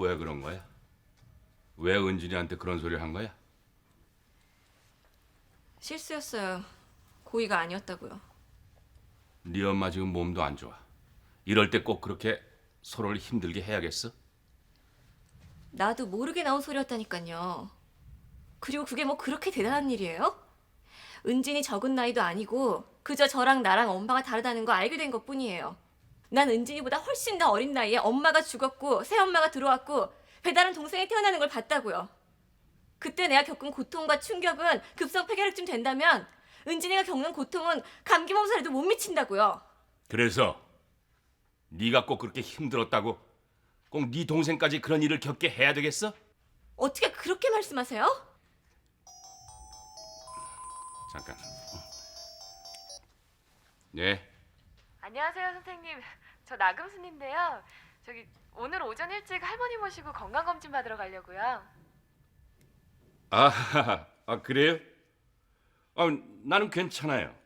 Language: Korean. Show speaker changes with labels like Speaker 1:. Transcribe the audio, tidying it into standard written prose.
Speaker 1: 왜 그런 거야? 왜 은진이한테 그런 소리를 한 거야?
Speaker 2: 실수였어요. 고의가 아니었다고요.
Speaker 1: 네 엄마 지금 몸도 안 좋아. 이럴 때 꼭 그렇게 서로를 힘들게 해야겠어?
Speaker 2: 나도 모르게 나온 소리였다니까요. 그리고 그게 뭐 그렇게 대단한 일이에요? 은진이 적은 나이도 아니고 그저 저랑 나랑 엄마가 다르다는 거 알게 된 것뿐이에요. 난 은진이보다 훨씬 더 어린 나이에 엄마가 죽었고 새엄마가 들어왔고 배다른 동생이 태어나는 걸 봤다고요. 그때 내가 겪은 고통과 충격은 급성 폐결핵쯤 된다면 은진이가 겪는 고통은 감기 몸살에도 못 미친다고요.
Speaker 1: 그래서 네가 꼭 그렇게 힘들었다고 꼭 네 동생까지 그런 일을 겪게 해야 되겠어?
Speaker 2: 어떻게 그렇게 말씀하세요?
Speaker 1: 잠깐. 네.
Speaker 3: 안녕하세요, 선생님. 저 나금순인데요. 저기 오늘 오전 일찍 할머니 모시고 건강검진 받으러 가려고요.
Speaker 1: 아, 그래요? 나는 괜찮아요.